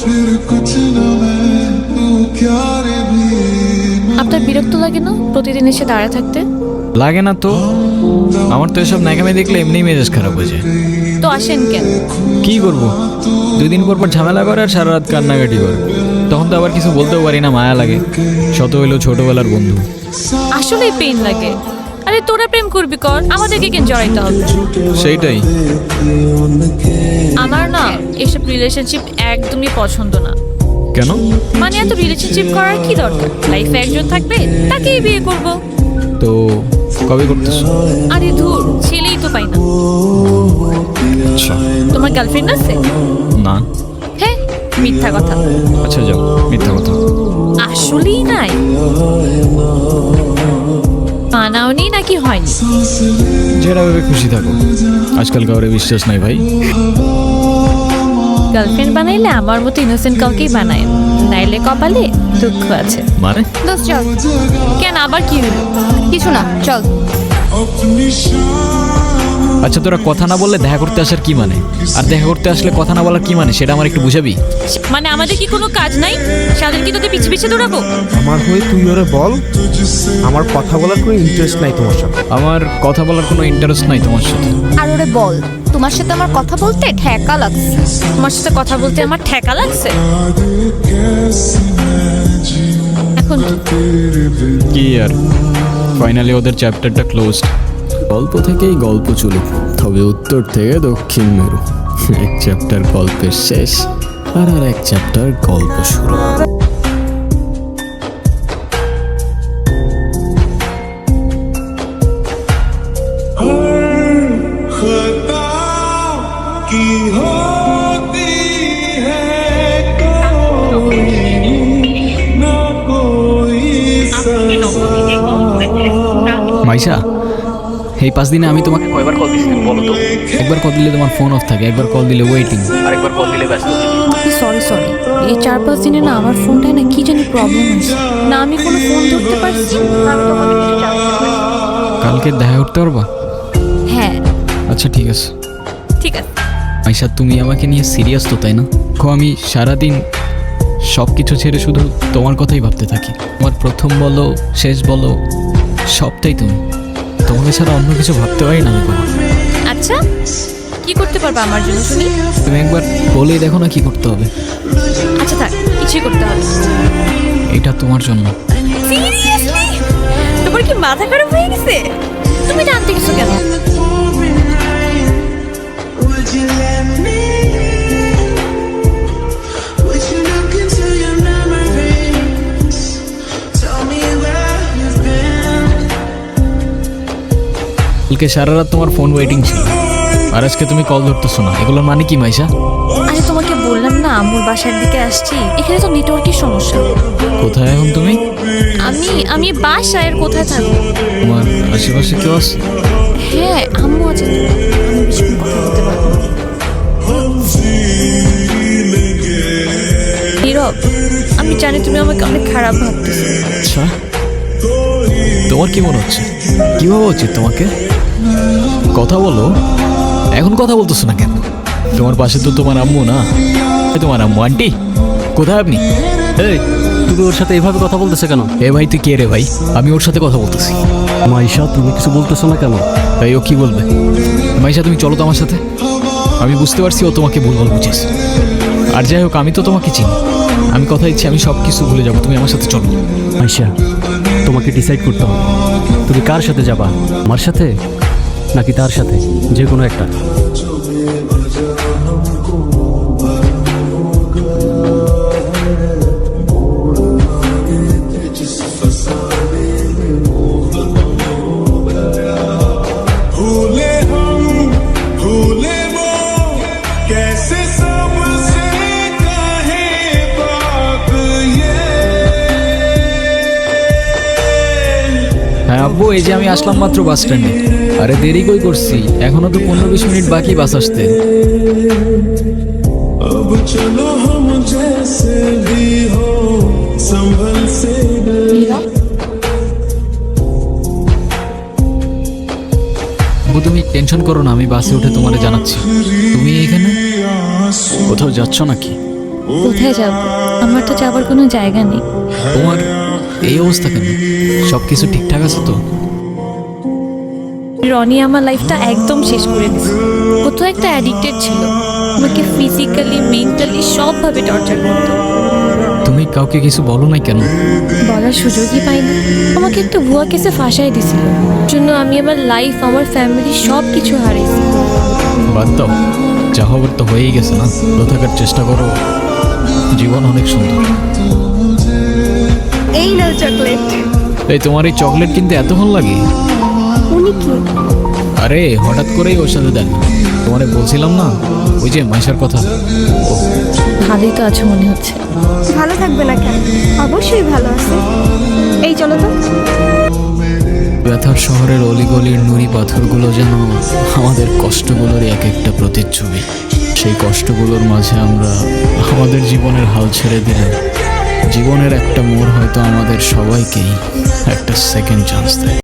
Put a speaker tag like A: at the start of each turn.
A: আপনার বিরক্ত লাগে না প্রতিদিন এসে দাঁড়ায় থাকতে?
B: লাগে না তো, আমার তো এসব ন্যাকামি দেখলে এমনিই মেজাজ খারাপ হয়ে যায়।
A: তো আসেন কেন?
B: কি করবো, 2 দিন পর পর ঝামেলা করে আর সারা রাত কান্নাকাটি করে। তখন তো আবার কিছু বলতেও পারি না, মায়া লাগে। শত হইলেও ছোটবেলার বন্ধু।
A: আসলেই পেইন লাগে। আরে তোরা প্রেম করবি কর, আমাদেরকে কেন জড়াইতে হবে?
B: সেইটাই।
A: আমার না এসব রিলেশনশিপ একদমই পছন্দ না।
B: কেন?
A: মানে এত রিলেশনশিপ করার কি দরকার? লাইফে একজন থাকবে, তাকেই বিয়ে করব।
B: তো কবে করতেছো?
A: আরে ধুর, ছেলেই তো পাই না।
B: আচ্ছা।
A: তোমার গার্লফ্রেন্ড আছে?
B: না।
A: হ্যাঁ, মিথ্যা কথা।
B: আচ্ছা যাও, মিথ্যা কথা।
A: আসলেই নাই? মানাওনি নাকি হয়নি?
B: যেটা ভেবে খুশি থাকো, আজকাল কাউরে বিশ্বাস নাই ভাই।
A: গার্লফ্রেন্ড বানাইলে আমার মতো ইনোসেন্ট কাউকেই বানায়, নাইলে কপালে দুঃখ আছে।
B: মানে?
A: দোস্ত চল। কেন, আবার কি হলো? কিছু না, চল।
B: আচ্ছা, তোরা কথা না বললে দেখা করতে আসার কি মানে? আর দেখা করতে আসলে কথা না বলার কি মানে, সেটা আমার একটু বুঝাবি?
A: মানে আমাদের কি কোনো কাজ নাই? সাদের কি তোদের পিছে পিছে দৌড়াবো?
C: আমার হয়ে তুই ওরে বল, আমার কথা বলার কোনো ইন্টারেস্ট নাই তোমার সাথে।
B: আমার কথা বলার কোনো ইন্টারেস্ট নাই তোমার সাথে।
D: আর ওরে বল, তোমার সাথে আমার কথা বলতে ঠেকা লাগছে।
A: তোমার সাথে কথা বলতে আমার ঠেকা লাগছে। এখন
B: কি আর, ফাইনালি ওদের চ্যাপ্টারটা ক্লোজড।
E: গল্প থেকেই গল্প চলুক, তবে উত্তর থেকে দক্ষিণ মেরু। এক চ্যাপ্টার গল্পের শেষ, আর এক চ্যাপ্টার গল্প শুরু।
B: মাইশা, এই 5 দিনে আমি তোমাকে কয়বার কল দিয়েছি বলো তো? একবার কল দিলে তোমার ফোন অফ থাকে, একবার কল দিলে ওয়েটিং, আরেকবার কল দিলে ব্যস্ত।
A: সরি সরি, এই 4-5 দিনে না আমার ফোনটায় না কি জানি প্রবলেম হয়েছে, না আমি কোনো ফোন ধরতে পারছি না আমি তোমাকে কিছু জানতে পারছি।
B: কালকে দেখা করতে পারবা?
A: হ্যাঁ
B: আচ্ছা ঠিক আছে।
A: ঠিক আছে।
B: মাইশা, তুমি আমাকে নিয়ে সিরিয়াস তো, তাই না? আমি সারাদিন সব কিছু ছেড়ে শুধু তোমার কথাই ভাবতে থাকি। তোমার প্রথম বলো শেষ বলো সবটাই তুমি। তোমাকে ছাড়া অন্য কিছু ভাবতে পারি না আমি কখনো।
A: আচ্ছা, কি করতে পারবা আমার জন্য শুনি?
B: তুমি একবার বলেই দেখো না কি করতে হবে।
A: আচ্ছা থাক, কিছুই করতে হবে।
B: এটা তোমার জন্য।
A: সিরিয়াসলি? তোমার কি মাথা খারাপ হয়ে গেছে? তুমি জানতে কিছু কেন?
B: কালকে সারা রাত তোমার ফোন ওয়েটিং ছিল, আর আজকে তুমি কল ধরতেছো না, এগুলোর মানে কি মাইশা?
A: আরে তোমাকে বললাম না আম্মুর বাসার দিকে আসছি, এখানে তো নেটওয়ার্কের সমস্যা।
B: কোথায় এখন তুমি?
A: আমি বাসায়, আর কোথায় থাকবো?
B: তোমার আশেপাশে কেউ আছে?
A: হ্যাঁ, আম্মু আছে তো, আমি বেশিক্ষণ কথা বলতে পারবো না। নীরব, আমি জানি তুমি আমাকে অনেক খারাপ ভাবতেছো।
B: আচ্ছা, তোমার কি মনে হচ্ছে? কি ভাবা উচিত তোমাকে? কথা বলো। এখন কথা বলতেছো না কেন? তোমার পাশে তো তোমার আম্মু না? তোমার আম্মু। আন্টি কোথায় আপনি?
E: এই, তুমি ওর সাথে এভাবে কথা বলতেছে কেন?
B: এ ভাই, তুই কে রে ভাই? আমি ওর সাথে কথা বলতেছি।
E: মাইশা, তুমি কিছু বলতেছো না কেন?
B: তাই ও কি বলবে? মাইশা, তুমি চলো তো আমার সাথে। আমি বুঝতে পারছি ও তোমাকে ভুলভাল বুঝেছ। আর যাই হোক, আমি তো তোমাকে চিনি। আমি কথা দিচ্ছি, আমি সব কিছু ভুলে যাবো, তুমি আমার সাথে চলো।
E: মাইশা, তোমাকে ডিসাইড করতে হবে, তুমি কার সাথে যাবা, আমার সাথে নাকি তার সাথে, যে কোনো একটা।
B: হ্যাঁ আব্বু, এই যে আমি আসলাম মাত্র বাস স্ট্যান্ডে। আরে দেরি কই করছি, এখনো তো 15-20 মিনিট বাকি বাস আসতে। আব্বু তুমি টেনশন করো না, আমি বাসে উঠে তোমারে জানাচ্ছি। তুমি এখানে
E: কোথাও যাচ্ছ নাকি?
A: কোথায় যাব? আমার তো যাবার কোনো জায়গা নেই।
B: তোমার এই অবস্থা কেন? সব কিছু ঠিকঠাক আছে তো?
A: রনি আমার লাইফটা একদম শেষ করে দিয়েছে। ও তো একটা অ্যাডিক্টেড ছিল, আমাকে ফিজিক্যালি মেন্টালি সবভাবে টর্চার করতো।
B: তুমি কাউকে কিছু বলো নাই কেন?
A: বলার সুযোগই পাইনি। আমাকে একটা ভুয়া কেসে ফাঁসাই দিছিল, জন্য আমি আমার লাইফ, আমার ফ্যামিলি সব কিছু হারিয়েছি।
B: বাদ দাও, যা হবার তো হয়েই গেছে না। ভালো থাকার চেষ্টা করো, জীবন অনেক সুন্দর।
D: এই নাও চকলেট।
B: এই তোমার এই চকলেট কিনতে এত ভালো লাগে?
D: উনি কি?
B: আরে হঠাৎ করেই ওর সাথে দেন। তোমারে বলছিলাম না ওই যে মাইশার কথা।
A: ভালোই তো আছো মনে হচ্ছে।
D: ভালো থাকবে না কেন? অবশ্যই ভালো আছে। এই চলো তো।
B: ব্যথার শহরের অলিগলির নুড়ি পাথরগুলো যেন আমাদের কষ্টগুলোর এক একটা প্রতিচ্ছবি। সেই কষ্টগুলোর মাঝে আমরা আমাদের জীবনের হাল ছেড়ে দিলে জীবনের একটা মোড় হয়তো আমাদের সবাইকেই একটা সেকেন্ড চান্স দেয়।